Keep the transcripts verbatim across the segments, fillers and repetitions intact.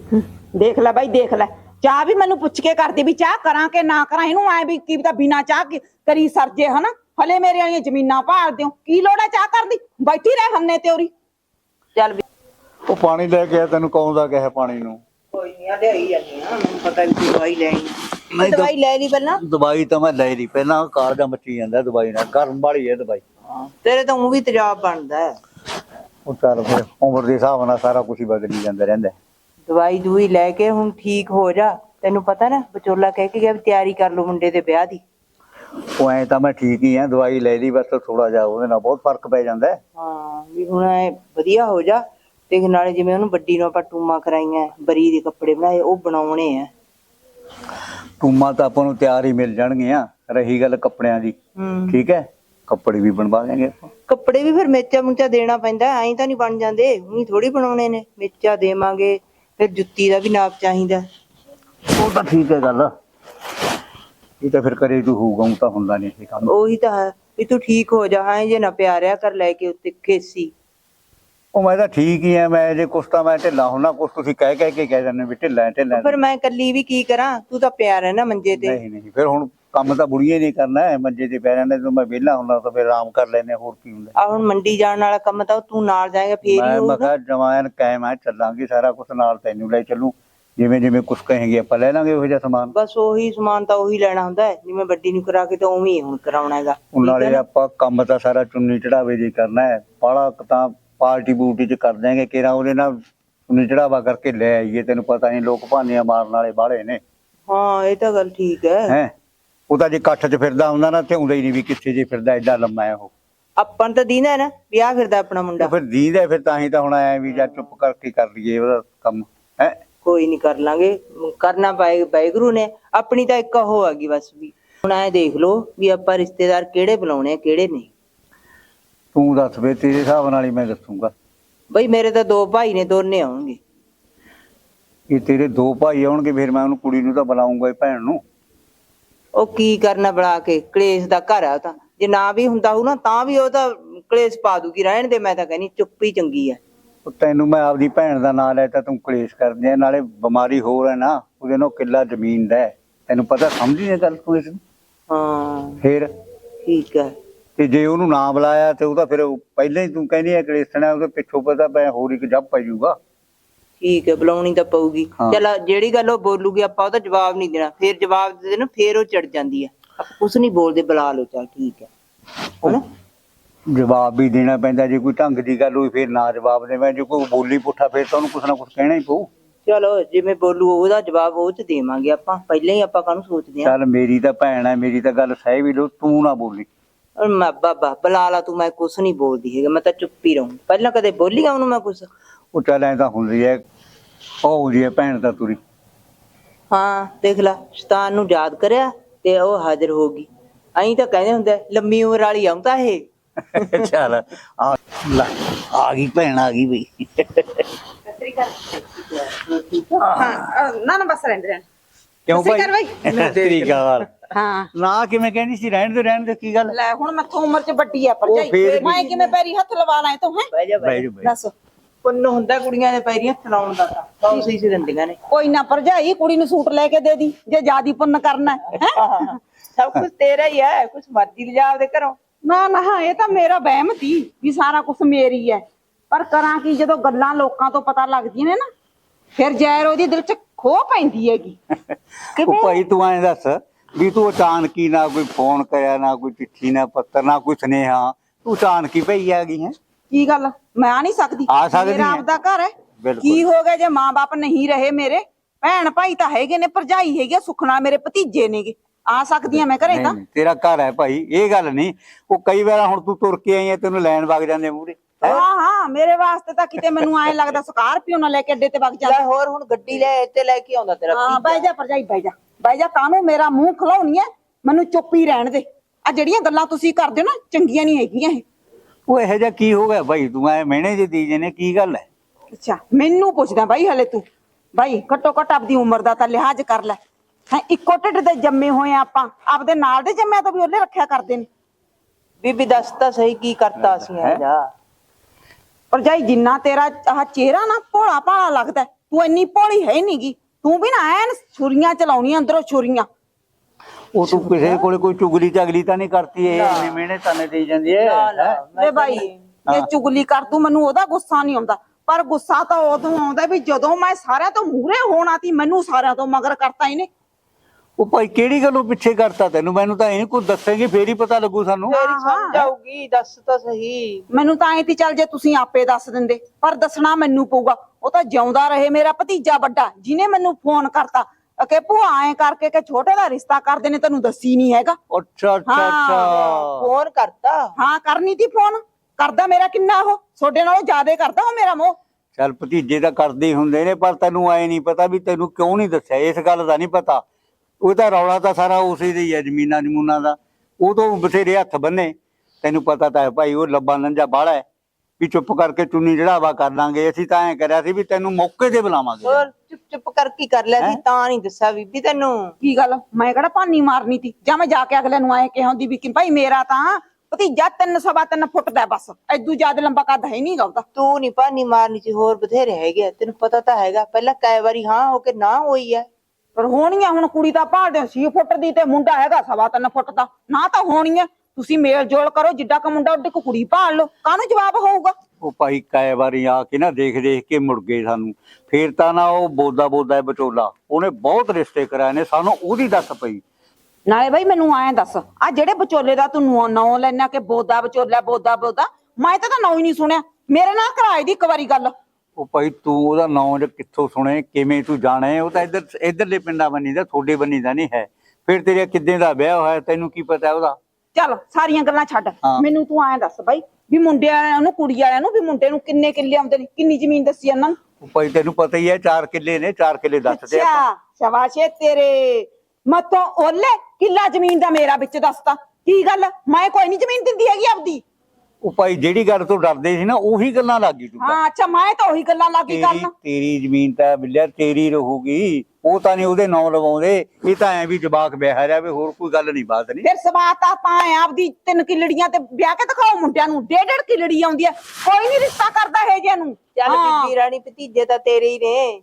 देख लै भाई देख लै, चाह भी मैनू पुछ के करदी भी चाह करा के ना करा, इनू आए भी की पता बिना चाह के करी सरजे है ना। हले मेरे वाली जमीना भाल दियो, की लोड़ है चाह करदी, बैठी रह हन्ने तेरी। चल भी ਉਹ ਪਾਣੀ ਲੈ ਕੇ ਆ, ਤੈਨੂੰ ਕੌਣ ਦਾ ਕਿਹਾ ਪਾਣੀ ਨੂੰ? कोई नहीं ले ही जानी हां, मैनू पता भी दवाई लेनी। दवाई ले ली पहला? ਦਵਾਈ ਤਾਂ ਮੈਂ ਲੈ ਲਈ ਪਹਿਲਾਂ, ਕਾਲਜਾ ਮੱਚੀ ਜਾਂਦਾ ਦਵਾਈ ਨਾਲ, ਗਰਮ ਵਾਲੀ ਹੈ ਦਵਾਈ। तेरे तो ऊं भी तेजाब बनदा है। ਉਹ ਚੱਲ ਫਿਰ ਉਮਰ ਦੇ ਹਿਸਾਬ ਨਾਲ ਸਾਰਾ ਕੁਝ ਹੀ ਬਦਲੀ ਜਾਂਦਾ ਰਹਿੰਦਾ। ਦਵਾਈ ਦੂਈ ਲੈ ਕੇ ਹੁਣ ਠੀਕ ਹੋ ਜਾ, ਤੈਨੂੰ ਪਤਾ ਨਾ ਵਿਚੋਲਾ ਕਹਿ ਕੇ ਗਿਆ ਵੀ ਤਿਆਰੀ ਕਰ ਲਓ ਮੁੰਡੇ ਦੇ ਵਿਆਹ ਦੀ। ਉਹ ਐ ਤਾਂ ਮੈਂ ਠੀਕ ਹੀ ਆ, ਦਵਾਈ ਲੈ ਲਈ ਬਸ, ਥੋੜਾ ਜਿਹਾ ਉਹਦੇ ਨਾਲ ਬਹੁਤ ਫਰਕ ਪੈ ਜਾਂਦਾ। ਹਾਂ ਵੀ ਹੁਣ ਐ ਵਧੀਆ ਹੋ ਜਾ ਤੇ ਨਾਲੇ ਜਿਵੇਂ ਉਹਨੂੰ ਵੱਡੀ ਨੂੰ ਆਪਾਂ ਟੂਮਾਂ ਕਰਾਈਆਂ, ਬਰੀ ਦੇ ਕੱਪੜੇ ਬਣਾਏ ਉਹ ਬਣਾਉਣੇ ਆ। ਟੂਮਾਂ ਤਾਂ ਆਪਾਂ ਨੂੰ ਤਿਆਰ ਹੀ ਮਿਲ ਜਾਣਗੀਆਂ, ਰਹੀ ਗੱਲ ਕੱਪੜਿਆਂ ਦੀ, ਠੀਕ ਹੈ ਕੱਪੜੇ ਵੀ ਬਣਵਾ ਲੈਂਗੇ ਆਪਾਂ। ਕੱਪੜੇ ਵੀ ਫਿਰ ਮੇਚਾ ਮੁਚਾ ਦੇਣਾ ਪੈਂਦਾ, ਐਂ ਤਾਂ ਨਹੀਂ ਬਣ ਜਾਂਦੇ, ਉਹੀ ਥੋੜੀ ਬਣਾਉਣੇ ਨੇ, ਮੇਚਾ ਦੇਵਾਂਗੇ ਫਿਰ ਜੁੱਤੀ ਦਾ ਵੀ ਨਾਪ ਚਾਹੀਦਾ। ਉਹ ਤਾਂ ਠੀਕ ਹੈ ਗੱਲ, ਇਹ ਤਾਂ ਫਿਰ ਕਰੇ ਤੂੰ ਹੋਊਗਾ, ਉਹ ਤਾਂ ਹੁੰਦਾ ਨਹੀਂ ਇਹ ਕੰਮ। ਉਹੀ ਤਾਂ ਹੈ ਵੀ ਤੂੰ ਠੀਕ ਹੋ ਜਾ, ਐਂ ਜੇ ਨਾ ਪਿਆਰਿਆ ਕਰ ਲੈ ਕੇ ਉੱਤੇ ਖੇਸੀ। ਉਹ ਮੈਂ ਤਾਂ ਠੀਕ ਹੀ ਆ, ਮੈਂ ਜੇ ਕੁਛ ਤਾਂ ਮੈਂ ਢਿੱਲਾ ਹੁੰਨਾ, ਕੁਛ ਤੁਸੀਂ ਕਹਿ ਕਹਿ ਕੇ ਕਹਿ ਜਾਂਦੇ ਵੀ ਢਿੱਲਾ ਢਿੱਲਾ। ਫਿਰ ਮੈਂ ਇਕੱਲੀ ਵੀ ਕੀ ਕਰਾਂ, ਤੂੰ ਤਾਂ ਪਿਆ ਰਹਿਣਾ ਮੰਜੇ ਤੇ। ਨਹੀਂ ਨਹੀਂ ਫਿਰ ਹੁਣ ਕੰਮ ਤਾਂ ਬੁੜੀਏ ਨਹੀਂ ਕਰਨਾ ਹੈ, ਮੰਜੇ ਤੇ ਪੈ ਰਹਿੰਦੇ, ਜਦੋਂ ਮੈਂ ਵਿਹਲਾ ਹੁੰਦਾ ਤਾਂ ਫਿਰ ਆਰਾਮ ਕਰ ਲੈਂਦੇ, ਹੋਰ ਕੀ ਹੁੰਦਾ। ਆ ਹੁਣ ਮੰਡੀ ਜਾਣ ਵਾਲਾ ਕੰਮ ਤਾਂ ਤੂੰ ਨਾਲ ਜਾਏਗਾ ਫੇਰ ਹੀ ਮੈਂ ਹੋਊਗਾ। ਕਿਹਾ ਜਵਾਨ ਕਾਇਮ ਆ, ਚੱਲਾਂਗੇ ਸਾਰਾ ਕੁਛ ਨਾਲ, ਤੈਨੂੰ ਲੈ ਚੱਲੂ, ਜਿਵੇਂ ਜਿਵੇਂ ਕੁਛ ਕਹੇਂਗੇ ਆਪਾਂ ਲੈ ਲਾਂਗੇ ਉਹੋ ਜਿਹਾ ਸਮਾਨ। ਬਸ ਉਹੀ ਸਮਾਨ ਤਾਂ ਉਹੀ ਲੈਣਾ ਹੁੰਦਾ ਹੈ, ਜਿਵੇਂ ਵੱਡੀ ਨੂੰ ਕਰਾ ਕੇ ਤਾਂ ਉਵੇਂ ਹੀ ਹੁਣ ਕਰਾਉਣਾ ਹੈਗਾ। ਨਾਲੇ ਆਪਾਂ ਕੰਮ ਤਾਂ ਸਾਰਾ ਚੁੰਨੀ ਚੜਾਵੇ ਜੀ ਕਰਨਾ ਹੈ, ਬਾਹਲਾ ਤਾਂ ਪਾਰਟੀ ਬੂਟੀ ਚ ਕਰ ਦਿਆਂਗੇ, ਕਿਹੜਾ ਉਹਦੇ ਨਾਲ ਚੁੰਨੀ ਚੜਾਵਾ ਕਰਕੇ ਲੈ ਆਈਏ, ਤੈਨੂੰ ਪਤਾ ਨਹੀਂ ਲੋਕ ਭਾਨੀਆਂ ਮਾਰਨ ਵਾਲੇ ਬਾਹਲੇ ਨੇ। ਹਾਂ ਇਹ ਤਾਂ ਗੱਲ ਠੀਕ ਹੈ। ਹੈ ਉਹ ਤਾਂ ਜੇ ਇਕੱਠ ਚ ਫਿਰਦਾ ਹੁੰਦਾ ਨਾ, ਤੇ ਆਉਂਦਾ ਹੀ ਨਹੀਂ ਵੀ ਕਿੱਥੇ ਜੇ ਫਿਰਦਾ, ਏਡਾ ਲੰਮਾ ਹੈ ਉਹ। ਆਪਾਂ ਨੂੰ ਤਾਂ ਦੀਨਾ ਹੈ ਨਾ ਵਿਆਹ ਫਿਰਦਾ ਆਪਣਾ ਮੁੰਡਾ। ਫਿਰ ਦੀਦਾ ਫਿਰ ਤਾਂ ਹੀ ਤਾਂ ਹੁਣ ਆਇਆ ਵੀ ਜਾਂ ਚੁੱਪ ਕਰਕੇ ਕਰ ਲਈਏ ਉਹਦਾ ਕੰਮ ਹੈ। ਕੋਈ ਨਹੀਂ ਕਰ ਲਾਂਗੇ, ਕਰਨਾ ਪਾਏ ਵਾਹਿਗੁਰੂ ਨੇ, ਆਪਣੀ ਤਾਂ ਇੱਕ ਉਹ ਹੈਗੀ ਬਸ। ਵੀ ਹੁਣ ਐ ਦੇਖ ਲੋ ਵੀ ਆਪਾਂ ਰਿਸ਼ਤੇਦਾਰ ਕਿਹੜੇ ਬੁਲਾਉਣੇ ਆ ਕਿਹੜੇ ਨਹੀਂ। ਤੂੰ ਦੱਸ ਵੇ, ਤੇਰੇ ਹਿਸਾਬ ਨਾਲ ਹੀ ਮੈਂ ਦੱਸੂਗਾ। ਬਈ ਮੇਰੇ ਤਾਂ ਦੋ ਭਾਈ ਨੇ, ਦੋਨੇ ਆਉਣਗੇ। ਇਹ ਤੇਰੇ ਦੋ ਭਾਈ ਆਉਣਗੇ, ਫਿਰ ਮੈਂ ਉਹਨੂੰ ਕੁੜੀ ਨੂੰ ਤਾਂ ਬੁਲਾਉਂਗਾ, ਭੈਣ ਨੂੰ। ਉਹ ਕੀ ਕਰਨਾ ਬੁਲਾ ਕੇ, ਕਲੇਸ਼ ਦਾ ਘਰ ਆ ਉਹ ਤਾਂ, ਜੇ ਨਾ ਵੀ ਹੁੰਦਾ ਹੋਊ ਨਾ ਤਾਂ ਵੀ ਉਹ ਤਾਂ ਕਲੇਸ਼ ਪਾ ਦੂਗੀ, ਰਹਿਣ ਦੇ, ਮੈਂ ਤਾਂ ਕਹਿੰਦੀ ਚੁੱਪ ਹੀ ਚੰਗੀ ਆ। ਤੈਨੂੰ ਮੈਂ ਆਪਦੀ ਭੈਣ ਦਾ ਨਾਂ ਲੈ ਤਾ, ਤੂੰ ਕਲੇਸ਼ ਕਰਦੇ ਆ, ਨਾਲੇ ਬਿਮਾਰੀ ਹੋਰ ਹੈ ਨਾ ਉਹਦੇ ਨਾਲ, ਕਿੱਲਾ ਜ਼ਮੀਨ ਦਾ, ਤੈਨੂੰ ਪਤਾ, ਸਮਝੀ ਇਹ ਗੱਲ ਤੂੰ ਇਸ ਨੂੰ? ਹਾਂ ਫੇਰ ਠੀਕ ਹੈ। ਤੇ ਜੇ ਉਹਨੂੰ ਨਾ ਬੁਲਾਇਆ ਤੇ ਉਹਦਾ ਫਿਰ ਪਹਿਲਾਂ ਹੀ ਤੂੰ ਕਹਿੰਦੀ ਹੈ ਕਲੇਸ਼ਣਾ, ਉਹਦੇ ਪਿੱਛੋਂ ਪਤਾ ਪੈ ਹੋਰ ਇੱਕ ਜੱਬ ਪੈ ਜਾਊਗਾ। ਠੀਕ ਹੈ ਬੁਲਾਉਣੀ ਤਾਂ ਪਊਗੀ। ਚਲ ਜਿਹੜੀ ਗੱਲ ਉਹ ਬੋਲੂਗੀ ਆਪਾਂ ਉਹਦਾ ਜਵਾਬ ਨਹੀਂ ਦੇਣਾ, ਫੇਰ ਜਵਾਬ ਦੇ ਦੇਣਾ ਫੇਰ ਉਹ ਚੜ ਜਾਂਦੀ ਹੈ। ਆਪਾਂ ਕੁਛ ਨਹੀਂ ਬੋਲਦੇ, ਬੁਲਾ ਲਓ ਚੱਲ ਠੀਕ ਹੈ ਹਨਾ। ਜਵਾਬ ਵੀ ਦੇਣਾ ਪੈਂਦਾ, ਜੇ ਕੋਈ ਢੰਗ ਦੀ ਗੱਲ ਹੋਈ ਫੇਰ ਨਾ ਜਵਾਬ ਦੇਵੇਂ, ਜੇ ਕੋਈ ਬੋਲੀ ਪੁੱਠਾ ਫੇਰ ਤਾਂ ਉਹਨੂੰ ਕੁਛ ਨਾ ਕੁਛ ਕਹਿਣਾ ਹੀ ਪਊ। ਚਲੋ ਜਿਵੇਂ ਬੋਲੂ ਉਹਦਾ ਜਵਾਬ ਉਹ ਚ ਦੇਵਾਂਗੇ ਆਪਾਂ, ਪਹਿਲਾਂ ਹੀ ਆਪਾਂ ਕਾਹਨੂੰ ਸੋਚਦੇ ਹਾਂ। ਚੱਲ ਮੇਰੀ ਤਾਂ ਭੈਣ ਹੈ, ਮੇਰੀ ਤਾਂ ਗੱਲ ਸਹਿ ਵੀ ਲਓ, ਤੂੰ ਨਾ ਬੋਲੀ। ਮੈਂ ਬਾਬਾ ਬੁਲਾ ਲਾ ਤੂੰ, ਮੈਂ ਕੁਛ ਨਹੀਂ ਬੋਲਦੀ ਹੈਗਾ, ਮੈਂ ਤਾਂ ਚੁੱਪ ਹੀ ਰਹੂੰ। ਪਹਿਲਾਂ ਕਦੇ ਬੋਲੀ ਆ ਉਹਨੂੰ ਮੈਂ ਕੁਛ? ਉਹ ਚੱਲ ਐ ਤਾਂ ਹੁੰਦੀ ਹੈ, ਉਹ ਹੁੰਦੀ ਹੈ ਭੈਣ ਤਾਂ ਤੁਰੀ। ਹਾਂ ਦੇਖ ਲਾ, ਸ਼ੈਤਾਨ ਨੂੰ ਯਾਦ ਕਰਿਆ ਤੇ ਉਹ ਹਾਜ਼ਰ ਹੋ ਗਈ। ਐਂ ਤਾਂ ਕਹਿੰਦੇ ਹੁੰਦੇ ਲੰਮੀ ਉਮਰ ਵਾਲੀ ਆਉਂਦਾ ਇਹ। ਚੱਲ ਆ ਲੈ, ਆ ਗਈ ਭੈਣ, ਆ ਗਈ ਬਈ। ਨਾ ਨਾ ਬਸ ਰਹਿੰਦੇ ਰਹਿਣ। ਕਿਉਂ ਭਾਈ? ਤੇਰੀ ਗੱਲ ਹਾਂ ਨਾ ਕਿਵੇਂ ਕਹਿੰਦੀ ਸੀ, ਰਹਿਣ ਦੇ ਰਹਿਣ ਦੇ, ਕੀ ਗੱਲ? ਲੈ ਹੁਣ ਮੈਥੋਂ ਉਮਰ ਚ ਵੱਡੀ ਆ ਭਰਜਾਈ, ਮੈਂ ਕਿਵੇਂ ਪੈਰੀ ਹੱਥ ਲਵਾ ਲਾਂ ਤੂੰ? ਹੈ ਬਹਿ ਜਾ ਬਹਿ ਜਾ, ਦੱਸ ਪੁੰਨ ਹੁੰਦਾ ਕੁੜੀਆਂ ਦੇ ਪੈਰੀ ਹੱਥ ਲਾਉਣ ਦਾ, ਤਾਂ ਉਹ ਸਹੀ ਸੀ ਦਿੰਦੀਆਂ ਨੇ। ਕੋਈ ਨਾ ਭਰਜਾਈ, ਕੁੜੀ ਨੂੰ ਸੂਟ ਲੈ ਕੇ ਦੇ ਦੀ ਜੇ ਜਿਆਦੀ ਪੁੰਨ ਕਰਨਾ ਹੈ। ਸਭ ਕੁਝ ਤੇਰਾ ਹੀ ਹੈ, ਕੁਛ ਮਰਜ਼ੀ ਲਿਜਾ ਆਪਦੇ ਘਰੋਂ। ਨਾ ਨਾ ਇਹ ਤਾਂ ਮੇਰਾ ਵਹਿਮ ਸੀ ਵੀ ਸਾਰਾ ਕੁਝ ਮੇਰੀ ਹੈ, ਪਰ ਕਰਾਂ ਕੀ ਜਦੋਂ ਗੱਲਾਂ ਲੋਕਾਂ ਤੋਂ ਪਤਾ ਲੱਗਦੀਆਂ ਨੇ ਨਾ, ਫਿਰ ਜ਼ਹਿਰ ਉਹਦੀ ਦਿਲ ਚ ਖੋਹ ਪੈਂਦੀ ਹੈਗੀ। ਉਹ ਭਾਈ ਤੂੰ ਐਂ ਦੱਸ ਵੀ ਤੂੰ ਅਚਾਨਕ ਹੀ ਨਾ ਕੋਈ ਫੋਨ ਕਰਿਆ, ਨਾ ਕੋਈ ਚਿੱਠੀ, ਨਾ ਪੱਤਰ, ਨਾ ਕੋਈ ਸੁਨੇਹਾ, ਤੂੰ ਅਚਾਨਕ ਹੀ ਪਈ ਆ ਗਈ ਹੈ? ਕੀ ਗੱਲ ਮੈਂ ਆ ਨਹੀਂ ਸਕਦੀ? ਆ ਸਕਦੀ, ਮੇਰਾ ਆਪਦਾ ਘਰ ਹੈ। ਕੀ ਹੋ ਗਿਆ ਜੇ ਮਾਂ ਬਾਪ ਨਹੀਂ ਰਹੇ ਮੇਰੇ? ਭੈਣ ਭਾਈ ਤਾਂ ਹੈਗੇ ਨੇ, ਭਰਜਾਈ ਹੈਗੀ, ਸੁਖਣਾ ਮੇਰੇ ਭਤੀਜੇ ਨੇਗੇ, ਆ ਸਕਦੀ ਆ ਮੈਂ ਘਰੇ ਤਾਂ। ਤੇਰਾ ਘਰ ਹੈ ਭਾਈ, ਇਹ ਗੱਲ ਨਹੀਂ। ਉਹ ਕਈ ਵਾਰ ਹੁਣ ਤੂੰ ਤੁਰ ਕੇ ਆਈ ਹੈ, ਤੈਨੂੰ ਲੈਣ ਵਗ ਜਾਂਦੇ ਮੂਹਰੇ। ਹਾਂ ਹਾਂ ਮੇਰੇ ਵਾਸਤੇ ਤਾਂ ਕਿਤੇ ਮੈਨੂੰ ਐਂ ਲੱਗਦਾ ਸਕਾਰਪੀਓ ਨਾਲ ਲੈ ਕੇ ਅੱਡੇ ਤੇ ਵਗ ਜਾਂਦਾ। ਹੋਰ ਹੁਣ ਗੱਡੀ ਲੈ ਇੱਥੇ ਲੈ ਕੇ ਆਉਂਦਾ ਤੇਰਾ। ਹਾਂ ਬਹਿ ਜਾ ਭਰਜਾਈ, ਬਹਿ ਜਾ ਬਹਿ ਜਾ, ਕਾਹਨੂੰ ਮੇਰਾ ਮੂੰਹ ਖਲਾਉਣੀ ਹੈ? ਮੈਨੂੰ ਚੁੱਪ ਹੀ ਰਹਿਣ ਦੇ। ਆ ਜਿਹੜੀਆਂ ਗੱਲਾਂ ਤੁਸੀਂ ਕਰਦੇ ਹੋ ਨਾ, ਚੰਗੀਆਂ ਨਹੀਂ ਹੈਗੀਆਂ ਇਹ। ਉਹ ਇਹੋ ਜਿਹਾ ਕੀ ਹੋ ਗਿਆ ਭਾਈ, ਤੂੰ ਐ ਮਹਿਣੇ ਜੇ ਦੀਜੇ ਨੇ, ਕੀ ਗੱਲ ਹੈ? ਅੱਛਾ ਮੈਨੂੰ ਪੁੱਛਦਾ ਬਾਈ ਹਲੇ ਤੂੰ? ਬਾਈ ਘੱਟੋ ਘੱਟ ਆਪਦੀ ਉਮਰ ਦਾ ਤਾਂ ਲਿਹਾਜ਼ ਕਰ ਲੈ। ਹੈ ਇੱਕੋ ਢਿੱਡ ਦੇ ਜੰਮੇ ਹੋਏ ਆਪਾਂ, ਆਪਦੇ ਨਾਲ ਦੇ ਜੰਮਿਆਂ ਤੋਂ ਵੀ ਉਹਨੇ ਰੱਖਿਆ ਕਰਦੇ ਨੇ। ਬੀਬੀ ਦੱਸ ਤਾਂ ਸਹੀ ਕੀ ਕਰਤਾ ਅਸੀਂ? ਆ ਜਾ ਭਰਜਾਈ, ਜਿੰਨਾ ਤੇਰਾ ਆਹ ਚਿਹਰਾ ਨਾ ਭੋਲਾ ਭਾਲਾ ਲੱਗਦਾ, ਤੂੰ ਇੰਨੀ ਭੋਲੀ ਹੈ ਨਹੀਂਗੀ, ਤੂੰ ਵੀ ਨਾ ਐਨ ਛੁਰੀਆਂ ਚਲਾਉਣੀਆਂ ਅੰਦਰੋਂ ਛੁਰੀਆਂ। ਉਹ ਤੂੰ ਕਿਸੇ ਕੋਲੇ ਕੋਈ ਚੁਗਲੀ ਚਾਗਲੀ ਤਾਂ ਨਹੀਂ ਕਰਤੀ, ਇਹ ਇੰਨੇ ਮਿਹਣੇ ਤਾਨੇ ਦੇਈ ਜਾਂਦੀ ਹੈ ਹੈਂ? ਵੇ ਭਾਈ ਜੇ ਚੁਗਲੀ ਕਰ ਤੂੰ, ਮੈਨੂੰ ਉਹਦਾ ਗੁੱਸਾ ਨਹੀਂ ਆਉਂਦਾ, ਪਰ ਗੁੱਸਾ ਤਾਂ ਉਦੋਂ ਆਉਂਦਾ ਵੀ ਜਦੋਂ ਮੈਂ ਸਾਰਿਆਂ ਤੋਂ ਮੂਹਰੇ ਹੋਣਾ ਤੀ, ਮੈਨੂੰ ਸਾਰਿਆਂ ਤੋਂ ਮਗਰ ਕਰਤਾ ਇਹਨੇ। ਉਹ ਭਾਈ ਕਿਹੜੀ ਗੱਲੋਂ ਪਿੱਛੇ ਕਰਤਾ ਤੈਨੂੰ? ਮੈਨੂੰ ਤਾਂ ਇਹ ਕੁਝ ਦੱਸੇਗੀ ਫੇਰ ਹੀ ਪਤਾ ਲੱਗੂ ਸਾਨੂੰ। ਸਮਝ ਆਊਗੀ, ਦੱਸ ਤਾਂ ਸਹੀ। ਮੈਨੂੰ ਤਾਂ ਐ ਤੀ ਚੱਲ ਜੇ ਤੁਸੀਂ ਆਪੇ ਦੱਸ ਦਿੰਦੇ, ਪਰ ਦੱਸਣਾ ਮੈਨੂੰ ਪਊਗਾ। ਉਹ ਤਾਂ ਜਿਉਂਦਾ ਰਹੇ ਮੇਰਾ ਭਤੀਜਾ ਵੱਡਾ, ਜਿਹਨੇ ਮੈਨੂੰ ਫੋਨ ਕਰਤਾ ਕਿ ਭੂਆ ਐ ਕਰਕੇ ਕਿ ਛੋਟੇ ਦਾ ਰਿਸ਼ਤਾ ਕਰਦੇ ਨੇ, ਤੈਨੂੰ ਦੱਸੀ ਨਹੀਂ ਹੈਗਾ। ਅੱਛਾ ਅੱਛਾ ਅੱਛਾ, ਫੋਨ ਕਰਤਾ? ਹਾਂ ਕਰਨੀ ਤੀ ਫੋਨ, ਕਰਦਾ ਮੇਰਾ ਕਿੰਨਾ ਉਹ ਤੁਹਾਡੇ ਨਾਲੋਂ ਜ਼ਿਆਦਾ ਕਰਦਾ ਉਹ ਮੇਰਾ ਮੋਹ। ਚੱਲ ਭਤੀਜੇ ਤਾਂ ਕਰਦੇ ਹੀ ਹੁੰਦੇ ਨੇ, ਪਰ ਤੈਨੂੰ ਐ ਨਹੀਂ ਪਤਾ ਵੀ ਤੈਨੂੰ ਕਿਉਂ ਨਹੀਂ ਦੱਸਿਆ, ਇਸ ਗੱਲ ਦਾ ਨਹੀਂ ਪਤਾ। ਉਹ ਤਾਂ ਰੌਲਾ ਤਾਂ ਸਾਰਾ ਉਸੇ ਦਾ ਹੀ ਹੈ, ਜ਼ਮੀਨਾਂ ਜਮੂਨਾਂ ਦਾ। ਉਹ ਤੋਂ ਬਥੇਰੇ ਹੱਥ ਬੰਨੇ, ਤੈਨੂੰ ਪਤਾ ਤਾਂ ਹੈ ਭਾਈ। ਉਹ ਲੱਭਾ ਨੰਜਾ ਬਾਹਲਾ ਹੈ ਵੀ ਚੁੱਪ ਕਰਕੇ ਚੁੰਨੀ ਚੜਾਵਾ ਕਰ ਲਾਂਗੇ। ਅਸੀਂ ਤਾਂ ਐਂ ਕਰਿਆ ਸੀ ਵੀ ਤੈਨੂੰ ਮੌਕੇ ਤੇ ਬੁਲਾਵਾਂਗੇ। ਹੋਰ ਚੁੱਪ ਚੁੱਪ ਕਰ ਕੀ ਕਰ ਲਿਆ ਸੀ, ਤਾਂ ਨਹੀਂ ਦੱਸਿਆ ਬੀਬੀ ਤੈਨੂੰ? ਕੀ ਗੱਲ, ਮੈਂ ਕਿਹੜਾ ਭਾਨੀ ਮਾਰਨੀ ਤੀ, ਜਾਂ ਮੈਂ ਜਾ ਕੇ ਅਗਲੇ ਨੂੰ ਐਂ ਕਿਹਾ ਹੁੰਦੀ ਵੀ ਕਿ ਭਾਈ ਮੇਰਾ ਤਾਂ ਭਤੀਜਾ ਤਿੰਨ ਸਵਾ ਤਿੰਨ ਫੁੱਟ ਦਾ, ਬਸ ਐਦੂ ਜ਼ਿਆਦਾ ਲੰਬਾ ਕੱਦ ਹੈ ਨਹੀਂ ਗਾ ਉਹਦਾ। ਤੂੰ ਨਹੀਂ ਭਾਨੀ ਮਾਰਨੀ ਸੀ, ਹੋਰ ਬਥੇਰੇ ਹੈਗੇ, ਤੈਨੂੰ ਪਤਾ ਤਾਂ ਹੈਗਾ। ਪਹਿਲਾਂ ਕਈ ਵਾਰੀ ਹਾਂ ਹੋ ਕੇ ਨਾ ਹੋਈ ਹੈ, ਪਰ ਹੋਣੀਆਂ ਹੁਣ। ਕੁੜੀ ਤਾਂ ਭਾਲਦੇ ਛੇ ਫੁੱਟ ਦੀ ਤੇ ਮੁੰਡਾ ਹੈਗਾ ਸਵਾ ਤਿੰਨ ਫੁੱਟ ਦਾ, ਨਾ ਤਾਂ ਹੋਣੀ ਹੈ। ਤੁਸੀਂ ਮੇਲ ਜੋਲ ਕਰੋ, ਜਿੱਡਾ ਕ ਮੁੰਡਾ ਉੱਡੇ ਕੁੜੀ ਭਾਲ ਲਓ, ਕਾਹਨੂੰ ਜਵਾਬ ਹੋਊਗਾ? ਉਹ ਭਾਈ ਕਈ ਵਾਰੀ ਆ ਕੇ ਨਾ ਦੇਖ ਦੇਖ ਕੇ ਮੁੜ ਗਏ ਸਾਨੂੰ। ਫੇਰ ਤਾਂ ਨਾ ਉਹ ਬੋਦਾ ਬੋਦਾ ਵਿਚੋਲਾ, ਉਹਨੇ ਬਹੁਤ ਰਿਸ਼ਤੇ ਕਰਾਏ ਨੇ, ਸਾਨੂੰ ਉਹਦੀ ਦੱਸ ਪਈ। ਨਾਲੇ ਬਈ ਮੈਨੂੰ ਐਂ ਦੱਸ, ਆ ਜਿਹੜੇ ਵਿਚੋਲੇ ਦਾ ਤੂੰ ਨਾਂ ਲੈਣਾ ਕਿ ਬੋਦਾ ਵਿਚੋਲਾ ਬੋਦਾ ਬੋਦਾ, ਮੈਂ ਤਾਂ ਨਾਂ ਹੀ ਨਹੀਂ ਸੁਣਿਆ। ਮੇਰੇ ਨਾਲ ਕਰਾਏ ਦੀ ਇੱਕ ਵਾਰੀ ਗੱਲ। ਉਹ ਭਾਈ ਤੂੰ ਉਹਦਾ ਨਾਂ ਕਿੱਥੋਂ ਸੁਣੇ, ਕਿਵੇਂ ਤੂੰ ਜਾਣੇ? ਉਹ ਤਾਂ ਇੱਧਰ ਇੱਧਰਲੇ ਪਿੰਡਾਂ ਬੰਨੀ ਦਾ, ਤੁਹਾਡੇ ਬੰਨੀ ਦਾ ਨਹੀਂ ਹੈ। ਫਿਰ ਤੇਰੇ ਕਿੱਦਾਂ ਦਾ ਵਿਆਹ ਹੋਇਆ, ਤੈਨੂੰ ਕੀ ਪਤਾ ਉਹਦਾ? ਚੱਲ ਸਾਰੀਆਂ ਗੱਲਾਂ ਛੱਡ, ਮੈਨੂੰ ਤੂੰ ਐਂ ਦੱਸ ਬਾਈ ਵੀ ਮੁੰਡੇ ਵਾਲਿਆਂ ਨੂੰ ਕੁੜੀ ਵਾਲਿਆਂ ਨੂੰ ਵੀ ਮੁੰਡੇ ਨੂੰ ਕਿੰਨੇ ਕਿੱਲੇ ਆਉਂਦੇ ਨੇ, ਕਿੰਨੀ ਜ਼ਮੀਨ ਦੱਸੀ ਇਹਨਾਂ ਨੂੰ? ਉਹ ਭਾਈ ਤੈਨੂੰ ਪਤਾ ਹੀ ਹੈ, ਚਾਰ ਕਿੱਲੇ ਨੇ। ਚਾਰ ਕਿੱਲੇ ਦੱਸਦੇ ਅੱਛਾ ਸ਼ਾਬਾਸ਼ੇ ਤੇਰੇ, ਮਤੋਂ ਓਲੇ ਕਿੱਲਾ ਜ਼ਮੀਨ ਦਾ ਮੇਰਾ ਵਿੱਚ ਦੱਸਤਾ। ਕੀ ਗੱਲ, ਮੈਂ ਕੋਈ ਨਹੀਂ ਜ਼ਮੀਨ ਦਿੰਦੀ ਹੈਗੀ ਆਪਦੀ। ਉਹ ਭਾਈ ਜਿਹੜੀ ਗੱਲ ਤੋਂ ਡਰਦੇ ਸੀ ਨਾ, ਉਹੀ ਗੱਲਾਂ ਲੱਗ ਗਈ ਤੂੰ। ਹਾਂ ਅੱਛਾ, ਮੈਂ ਤਾਂ ਉਹੀ ਗੱਲਾਂ ਲੱਗ ਗਈ ਕਰਨ। ਤੇਰੀ ਜ਼ਮੀਨ ਤਾਂ ਬਿੱਲਿਆ ਤੇਰੀ ਰਹੂਗੀ, ਉਹ ਤਾਂ ਨਹੀਂ ਉਹਦੇ ਨਾਂ ਲਵਾਉਂਦੇ। ਇਹ ਤਾਂ ਐ ਵੀ ਜਵਾਕ ਵਿਆਹ ਜਾਵੇ, ਹੋਰ ਕੋਈ ਗੱਲ ਨਹੀਂ, ਬਾਤ ਨਹੀਂ। ਫਿਰ ਸਵਾਤ ਆਪਾਂ ਆਪਦੀ ਤਿੰਨ ਕਿੱਲੜੀਆਂ ਤੇ ਵਿਆਹ ਕੇ ਦਿਖਾਓ ਮੁੰਡਿਆਂ ਨੂੰ, ਡੇਢ ਡੇਢ ਕਿੱਲੜੀ ਆਉਂਦੀ ਹੈ, ਕੋਈ ਨਹੀਂ ਰਿਸ਼ਤਾ ਕਰਦਾ ਹੈ ਜਿਆਂ ਨੂੰ। ਚੱਲ ਬੀਬੀ ਰਾਣੀ, ਭਤੀਜੇ ਤਾਂ ਤੇਰੇ ਹੀ ਨੇ।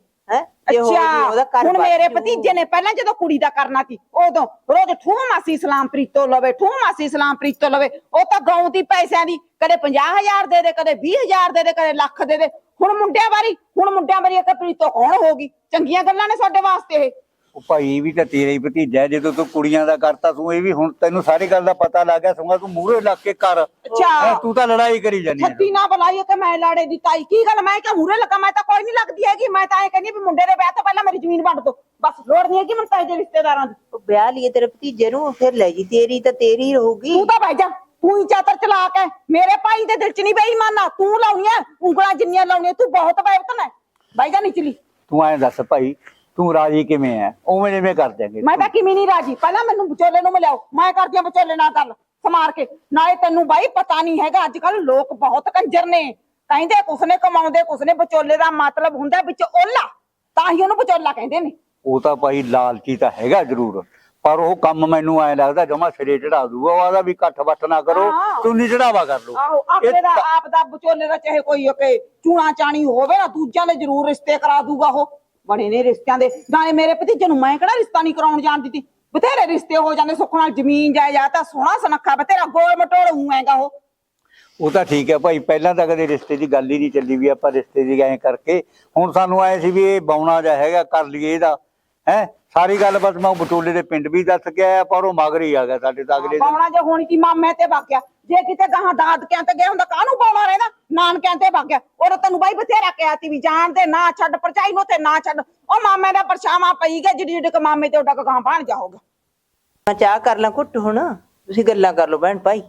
ਅੱਛਾ ਹੁਣ ਮੇਰੇ ਭਤੀਜੇ ਨੇ ਪਹਿਲਾਂ ਜਦੋਂ ਕੁੜੀ ਦਾ ਕਰਨਾ ਸੀ, ਉਦੋਂ ਰੋਜ਼ ਠੂਹ ਮਾਸੀ ਸਲਾਮ ਪ੍ਰੀਤੋ ਲਵੇ, ਠੂਹ ਮਾਸੀ ਸਲਾਮ ਪ੍ਰੀਤੋ ਲਵੇ। ਉਹ ਤਾਂ ਗਾਉਂ ਦੀ ਪੈਸਿਆਂ ਦੀ, ਕਦੇ ਪੰਜਾਹ ਹਜ਼ਾਰ ਦੇ ਦੇ, ਕਦੇ ਵੀਹ ਹਜ਼ਾਰ ਦੇ ਦੇ, ਕਦੇ ਲੱਖ ਦੇ ਦੇ। ਹੁਣ ਮੁੰਡਿਆਂ ਵਾਰੀ, ਹੁਣ ਮੁੰਡਿਆਂ ਵਾਰੀ ਇੱਕ ਪ੍ਰੀਤੋ ਕੌਣ ਹੋਗੀ? ਚੰਗੀਆਂ ਗੱਲਾਂ ਨੇ ਸਾਡੇ ਵਾਸਤੇ ਇਹ। ਉਹ ਭਾਈ ਇਹ ਵੀ ਤਾਂ ਤੇਰਾ ਹੀ ਭਤੀਜਾ, ਜਦੋਂ ਤੂੰ ਕੁੜੀਆਂ ਦਾ ਕਰਤਾ ਤੂੰ, ਇਹ ਵੀ ਹੁਣ ਤੈਨੂੰ ਸਾਰੀ ਗੱਲ ਦਾ ਪਤਾ ਲੱਗ ਗਿਆ। ਸੁਣਾ ਤੂੰ ਮੂਹਰੇ ਲੱਗ ਕੇ ਕਰ। ਅੱਛਾ ਤੂੰ ਤਾਂ ਲੜਾਈ ਕਰੀ ਜਾਨੀ ਹੈ। ਛੱਤੀ ਨਾ ਬੁਲਾਈਏ ਕਿ ਮੈਂ ਲਾੜੇ ਦੀ ਤਾਈ। ਕੀ ਗੱਲ, ਮੈਂ ਕਿ ਮੂਹਰੇ ਲੱਗਾ? ਮੈਂ ਤਾਂ ਕੋਈ ਨਹੀਂ ਲੱਗਦੀ ਹੈਗੀ। ਮੈਂ ਤਾਂ ਐ ਕਹਿੰਦੀ ਵੀ ਮੁੰਡੇ ਦੇ ਵਿਆਹ ਤੋਂ ਪਹਿਲਾਂ ਮੇਰੀ ਜ਼ਮੀਨ ਵੰਡ ਦੋ, ਬਸ। ਲੋੜ ਨਹੀਂ ਹੈਗੀ ਮੈਨੂੰ ਤਾਏ ਦੇ ਰਿਸ਼ਤੇਦਾਰਾਂ ਦੀ। ਵਿਆਹ ਲਈਏ ਤੇਰੇ ਭਤੀਜੇ ਨੂੰ, ਫਿਰ ਲੈ ਜੀ, ਤੇਰੀ ਤਾਂ ਤੇਰੀ ਰਹੂਗੀ। ਤੂੰ ਤਾਂ ਬਹਿ ਜਾ, ਤੂੰ ਹੀ ਚਾਤਰ ਚਲਾ ਕੇ ਮੇਰੇ ਭਾਈ ਦੇ ਦਿਲ ਚ ਨਹੀਂ ਬੇਈਮਾਨਾ। ਤੂੰ ਲਾਉਣੀਆਂ ਉਂਗਲਾਂ ਜਿੰਨੀਆਂ ਲਾਉਣੀਆਂ, ਤੂੰ ਬਹੁਤ ਬੇਵਕਤ ਹੈ। ਬਹਿ ਜਾ ਨਿਚਲੀ। ਤੂੰ ਐਂ ਦੱਸ ਭਾਈ, ਤੂੰ ਰਾਜੀ ਕਿਵੇਂ ਐ? ਉਵੇਂ ਜਿਵੇਂ ਕਰ ਦਿਆਂਗੇ। ਮੈਂ ਤਾਂ ਕਿਵੇਂ ਨਹੀਂ ਰਾਜੀ, ਪਹਿਲਾਂ ਮੈਨੂੰ ਵਿਚੋਲੇ ਨੂੰ ਮਿਲਾਓ, ਮੈਂ ਕਰਦੀ ਆ ਵਿਚੋਲੇ ਨਾਲ ਗੱਲ ਸਮਾਰ ਕੇ। ਨਾਲੇ ਤੈਨੂੰ ਬਾਈ ਪਤਾ ਨਹੀਂ ਹੈਗਾ, ਅੱਜ ਕੱਲ ਲੋਕ ਬਹੁਤ ਕੰਜਰ ਨੇ, ਕਹਿੰਦੇ ਕੁਛ ਨੇ ਕਮਾਉਂਦੇ ਕੁਛ ਨੇ। ਵਿਚੋਲੇ ਦਾ ਮਤਲਬ ਹੁੰਦਾ ਵਿੱਚ ਓਲਾ, ਤਾਂ ਹੀ ਉਹਨੂੰ ਵਿਚੋਲਾ ਕਹਿੰਦੇ ਨੇ। ਉਹ ਤਾਂ ਭਾਈ ਲਾਲਚੀ ਤਾਂ ਹੈਗਾ ਜ਼ਰੂਰ, ਪਰ ਉਹ ਕੰਮ ਮੈਨੂੰ ਐ ਲੱਗਦਾ ਜਮਾ ਸਿਰੇ ਚੜਾ ਦੂਗਾ। ਉਹ ਆਦਾ ਵੀ ਇਕੱਠ ਵੱਟ ਨਾ ਕਰੋ, ਚੁੰਨੀ ਚੜਾਵਾ ਕਰ ਲੋ। ਆਹੋ ਆਪਣੇ ਦਾ ਆਪ ਦਾ ਵਿਚੋਲੇ ਦਾ ਚਾਹੇ ਕੋਈ ਕਿ ਚੂਣਾ ਚਾਣੀ ਹੋਵੇ ਨਾ, ਦੂਜਿਆਂ ਦੇ ਜ਼ਰੂਰ ਰਿਸ਼ਤੇ ਕਰਾ ਦੂਗਾ। ਉਹ ਬਣੇ ਨੇ ਰਿਸ਼ਤਿਆਂ ਦੇ। ਨਾਲੇ ਮੇਰੇ ਭਤੀਜੇ ਨੂੰ ਮੈਂ ਕਿਹੜਾ ਰਿਸ਼ਤਾ ਨਹੀਂ ਕਰਾਉਣ ਜਾਣ ਦਿੱਤੀ, ਬਥੇਰੇ ਰਿਸ਼ਤੇ ਹੋ ਜਾਂਦੇ ਸੁੱਖ ਨਾਲ। ਜ਼ਮੀਨ ਜਾਇਦਾਦ ਤਾਂ ਸੋਹਣਾ ਸੁਨੱਖਾ ਬਥੇਰਾ, ਗੋਲ ਮਟੋਲ ਹੋਊਗਾ ਉਹ। ਉਹ ਤਾਂ ਠੀਕ ਹੈ ਭਾਈ, ਪਹਿਲਾਂ ਤਾਂ ਕਦੇ ਰਿਸ਼ਤੇ ਦੀ ਗੱਲ ਹੀ ਨਹੀਂ ਚੱਲੀ ਵੀ ਆਪਾਂ ਰਿਸ਼ਤੇ ਦੀ ਐਂ ਕਰਕੇ। ਹੁਣ ਸਾਨੂੰ ਆਏ ਸੀ ਵੀ ਇਹ ਬੌਣਾ ਜਿਹਾ ਹੈਗਾ, ਕਰ ਲਈਏ ਇਹਦਾ। ਹੈ ਸਾਰੀ ਗੱਲ ਬਸ ਮੈਂ ਵਿਚੋਲੇ ਦੇ ਪਿੰਡ ਵੀ ਦੱਸ ਕੇ ਆਇਆ, ਪਰ ਉਹ ਮਗਰ ਹੀ ਆ ਗਿਆ ਸਾਡੇ ਤਾਂ। ਅਗਲੇ ਬੌਣਾ ਜੇ ਹੋਣੀ ਸੀ ਮਾਮੇ ਤੇ ਵਗ ਗਿਆ, ਜੇ ਕਿਤੇ ਗਾਹਾਂ ਦਾਦਕਿਆਂ ਤੇ ਗਿਆ ਹੁੰਦਾ ਕਾਹਨੂੰ ਬੌਣਾ ਰਹਿੰਦਾ, ਨਾਨਕਿਆਂ ਤੇ ਵਗ ਗਿਆ। ਉਹ ਤੈਨੂੰ ਬਾਈ ਬਥੇਰਾ ਕਿਹਾ ਸੀ ਵੀ ਜਾਣ ਦੇ ਨਾ ਛੱਡ, ਪਰਚਾਈ ਨੂੰ ਤੇ ਨਾ ਛੱਡ। ਉਹ ਮਾਮੇ ਦਾ ਪਰਛਾਵਾਂ ਪਈ ਗਿਆ, ਜਿੱਡੀ ਜਿੱਡੀ ਮਾਮੇ ਤੇ ਉੱਡਾ ਗਾਂ ਬਣ ਜਾਊਗਾ। ਮੈਂ ਚਾਹ ਕਰ ਲਾਂ ਘੁੱਟ, ਹੁਣ ਤੁਸੀਂ ਗੱਲਾਂ ਕਰ ਲਓ ਭੈਣ ਭਾਈ।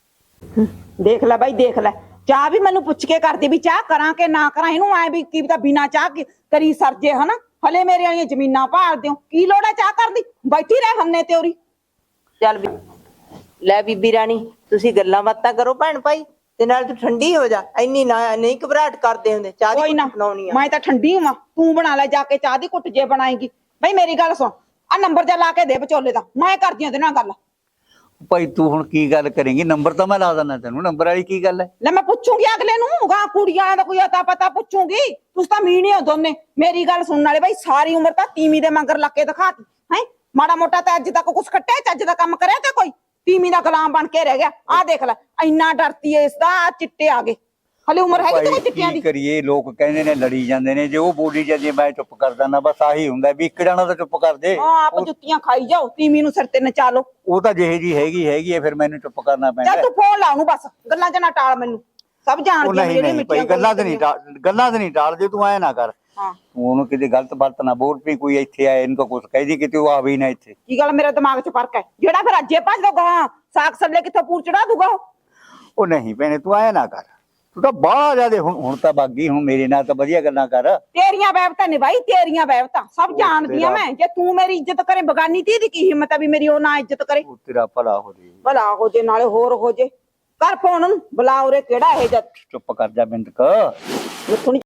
ਦੇਖ ਲੈ ਬਾਈ ਦੇਖ ਲੈ, ਚਾਹ ਵੀ ਮੈਨੂੰ ਪੁੱਛ ਕੇ ਕਰਦੀ ਵੀ ਚਾਹ ਕਰਾਂ ਕਿ ਨਾ ਕਰਾਂ। ਇਹਨੂੰ ਐ ਵੀ ਕੀ ਪਤਾ ਬਿਨਾ ਚਾਹ ਕਰੀ ਸਰਜੇ, ਹਨਾ। ਹਲੇ ਮੇਰੇ ਵਾਲੀਆਂ ਜ਼ਮੀਨਾਂ ਭਾਲ ਦਿਓ, ਕੀ ਲੋੜ ਹੈ ਚਾਹ ਕਰਨ ਦੀ? ਬੈਠੀ ਰਹਿ ਹੰਨੇ ਤੇ ਉਰੀ। ਚੱਲ ਵੀ ਲੈ ਬੀਬੀ ਰਾਣੀ, ਤੁਸੀਂ ਗੱਲਾਂ ਬਾਤਾਂ ਕਰੋ ਭੈਣ ਭਾਈ, ਤੇ ਨਾਲ ਤੂੰ ਠੰਡੀ ਹੋ ਜਾ। ਇੰਨੀ ਨਾ ਨਹੀਂ ਘਬਰਾਹਟ ਕਰਦੇ ਹੁੰਦੇ। ਚਾਹ ਦੀ ਘੁੱਟ ਬਣਾਉਣੀ ਆ। ਮੈਂ ਤਾਂ ਠੰਡੀ ਹਾਂ, ਤੂੰ ਬਣਾ ਲੈ ਜਾ ਕੇ ਚਾਹ ਦੀ ਘੁੱਟ ਜੇ ਬਣਾਏਗੀ। ਬਈ ਮੇਰੀ ਗੱਲ ਸੁਣ, ਆ ਨੰਬਰ ਜਾ ਲਾ ਕੇ ਦੇ ਵਿਚੋਲੇ ਦਾ, ਮੈਂ ਕਰਦੀ ਉਹਦੇ ਨਾਲ ਗੱਲ। ਭਾਈ ਤੂੰ ਹੁਣ ਕੀ ਗੱਲ ਕਰੇਂਗੀ? ਨੰਬਰ ਤਾਂ ਮੈਂ ਲਾ ਦਿੰਦਾ ਤੈਨੂੰ, ਨੰਬਰ ਵਾਲੀ ਕੀ ਗੱਲ ਹੈ? ਲੈ ਮੈਂ ਪੁੱਛੂਗੀ ਅਗਲੇ ਨੂੰ, ਗਾ ਕੁੜੀਆਂ ਦਾ ਕੋਈ ਅਤਾ ਪਤਾ ਪੁੱਛੂਗੀ। ਤੁਸੀਂ ਤਾਂ ਮੀਣੇ ਹੋ ਦੋਨੇ। ਮੇਰੀ ਗੱਲ ਸੁਣਨ ਵਾਲੇ ਬਾਈ, ਸਾਰੀ ਉਮਰ ਤਾਂ ਤੀਵੀਂ ਦੇ ਮਗਰ ਲੱਗ ਕੇ ਦਿਖਾਤੀ ਹੈ। ਮਾੜਾ ਮੋਟਾ ਤਾਂ ਅੱਜ ਤੱਕ ਕੁਛ ਖੱਟਿਆ, ਚੱਜ ਦਾ ਕੰਮ ਕਰਿਆ ਤੇ ਕੋਈ? ਤੀਵੀਂ ਦਾ ਗੁਲਾਮ ਬਣ ਕੇ ਰਹਿ ਗਿਆ। ਆਹ ਦੇਖ ਲੈ, ਇੰਨਾ ਡਰਤੀ ਐ ਇਸ ਦਾ, ਆਹ ਚਿੱਟੇ ਆ ਗਏ। ਹਲੇ ਉਮਰ ਹੈਗੀ ਤੇ ਕੋਈ ਚਿੱਟਿਆਂ ਦੀ? ਕੀ ਕਰੀਏ, ਲੋਕ ਕਹਿੰਦੇ ਨੇ ਲੜੀ ਜਾਂਦੇ ਨੇ, ਜੇ ਉਹ ਬੋਲੀ ਜਾਂਦੀ ਮੈਂ ਚੁੱਪ ਕਰ ਦਿੰਦਾ। ਬਸ ਆਹੀ ਹੁੰਦਾ ਵੀ ਇੱਕ ਜਣਾ ਤਾਂ ਚੁੱਪ ਕਰ ਦੇ। ਹਾਂ, ਆਪ ਜੁੱਤੀਆਂ ਖਾਈ ਜਾਓ, ਤੀਵੀਂ ਨੂੰ ਸਿਰ ਤੇ ਨਚਾ ਲਓ। ਉਹ ਤਾਂ ਜਿਹੇ ਜੀ ਹੈਗੀ ਹੈਗੀ ਹੈ, ਫਿਰ ਮੈਨੂੰ ਚੁੱਪ ਕਰਨਾ ਪੈਂਦਾ। ਚੱਲ ਤੂੰ ਫੋਨ ਲਾ ਉਹਨੂੰ, ਬਸ ਗੱਲਾਂ ਚ ਨਾ ਟਾਲ ਮੈਨੂੰ। ਸਭ ਉਹ ਜਾਣਦੀਆਂ ਨਹੀਂ ਜਿਹੜੀਆਂ ਨਹੀਂ ਭਾਈ, ਮਿੱਠੀਆਂ ਗੱਲਾਂ ਤੇ ਨਹੀਂ ਟਾਲ, ਗੱਲਾਂ ਤੇ ਨਹੀਂ ਟਾਲ ਜੇ ਤੂੰ ਐ ਨਾ ਕਰ। ਹਾਂ, ਤੂੰ ਉਹਨੂੰ ਕਿਤੇ ਗਲਤ ਬਲਤ ਨਾ ਬੋਲ ਪਈ, ਕੋਈ ਇੱਥੇ ਆਏ ਇਹਨੂੰ ਤਾਂ ਕੁਛ ਕਹਿਦੀ ਕਿਤੇ ਉਹ ਆਵੇ ਹੀ ਨਾ ਇੱਥੇ। ਕੀ ਗੱਲ, ਮੇਰੇ ਦਿਮਾਗ 'ਚ ਫਰਕ ਹੈ ਜਿਹੜਾ ਫਿਰ ਅੱਜੇ ਭੱਜ ਦਊਗਾ, ਸਾਗ ਸੱਲੇ ਕਿੱਥੋਂ ਪੂਰ ਚੜਾ ਦੂਗਾ ਉਹ? ਉਹ ਨਹੀਂ ਭੈਣੇ, ਤੂੰ ਐ ਨਾ ਕਰ, ਤੂੰ ਤਾਂ ਬਾਹਲਾ ਜ਼ਿਆਦੇ ਹੁਣ ਹੁਣ ਤਾਂ ਬਾਗੀ। ਹੁਣ ਮੇਰੇ ਨਾਲ ਤਾਂ ਵਧੀਆ ਗੱਲਾਂ ਕਰ। ਤੇਰੀਆਂ ਵਹਿਬਤਾਂ ਨੇ ਬਾਈ, ਤੇਰੀਆਂ ਵਹਿਬਤਾਂ ਸਭ ਜਾਣਦੀਆਂ ਮੈਂ। ਜੇ ਤੂੰ ਮੇਰੀ ਇੱਜ਼ਤ ਕਰੇ, ਬਗਾਨੀ ਧੀ ਦੀ ਕੀ ਹਿੰਮਤ ਆ ਵੀ ਮੇਰੀ ਉਹ ਨਾ ਇੱਜ਼ਤ ਕਰੇ? ਉਹ ਤੇਰਾ ਭਲਾ ਹੋ ਜੇ। ਭਲਾ ਹੋ ਜੇ ਨਾਲੇ ਹੋਰ ਹੋ ਜੇ। ਕਰ ਫੋਨ ਉਹਨੂੰ, ਬੁਲਾ ਉਰੇ, ਕਿਹੜਾ ਇਹ ਜਦ। ਚੁੱਪ ਕਰ ਜਾ ਬਿੰਦਕ। ਮਿੱਠੂ ਨੀ